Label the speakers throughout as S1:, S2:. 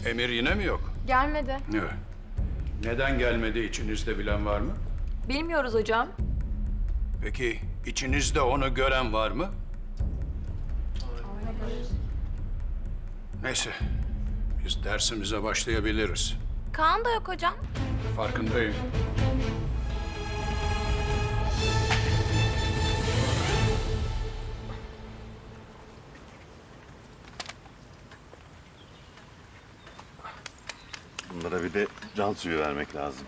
S1: Emir yine mi yok?
S2: Gelmedi.
S1: Evet. Neden gelmedi içinizde bilen var mı?
S2: Bilmiyoruz hocam.
S1: Peki içinizde onu gören var mı? Neyse, biz dersimize başlayabiliriz.
S2: Kaan da yok hocam.
S1: Farkındayım.
S3: Bunlara bir de can suyu vermek lazım.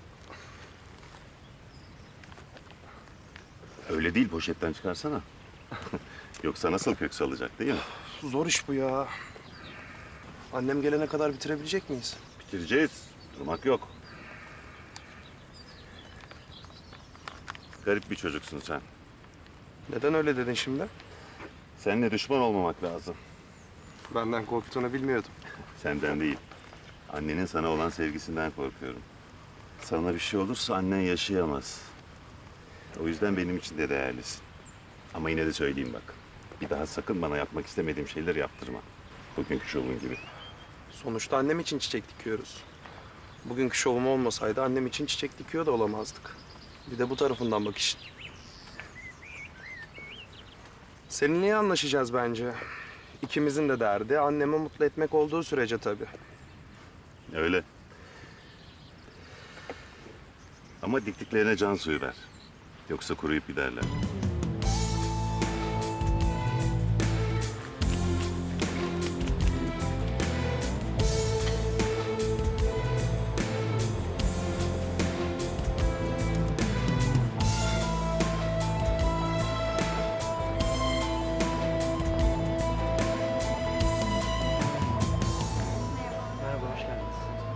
S3: Öyle değil, poşetten çıkarsana. Yoksa nasıl kök salacak değil mi?
S4: Zor iş bu ya. Annem gelene kadar bitirebilecek miyiz?
S3: Bitireceğiz. Durmak yok. Garip bir çocuksun sen.
S4: Neden öyle dedin şimdi?
S3: Seninle düşman olmamak lazım.
S4: Benden korktuğunu bilmiyordum.
S3: Senden değil. Annenin sana olan sevgisinden korkuyorum. Sana bir şey olursa annen yaşayamaz. O yüzden benim için de değerlisin. Ama yine de söyleyeyim bak. Bir daha sakın bana yapmak istemediğim şeyler yaptırma. Bugünkü şovun gibi.
S4: Sonuçta annem için çiçek dikiyoruz. Bugünkü şovum olmasaydı annem için çiçek dikiyor da olamazdık. Bir de bu tarafından bak işin. Seninle iyi anlaşacağız bence. İkimizin de derdi annemi mutlu etmek olduğu sürece tabii.
S3: Öyle. Ama diktiklerine can suyu ver. Yoksa kuruyup giderler.
S4: Merhaba, hoş geldiniz.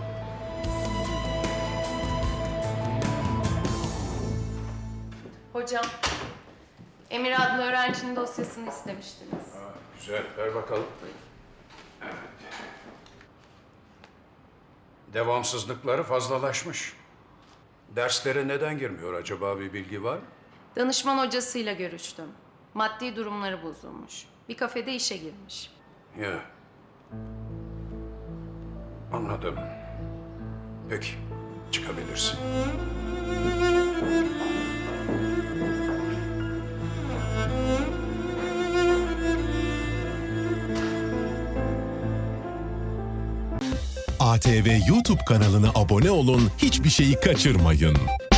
S5: Hocam, Emir adlı öğrencinin dosyasını istemiştiniz.
S1: Güzel, ver bakalım. Evet. Devamsızlıkları fazlalaşmış. Derslere neden girmiyor acaba, bir bilgi var mı?
S5: Danışman hocasıyla görüştüm. Maddi durumları bozulmuş. Bir kafede işe girmiş.
S1: Ya. Anladım. Peki, çıkabilirsin.
S6: ATV YouTube kanalına abone olun, hiçbir şeyi kaçırmayın.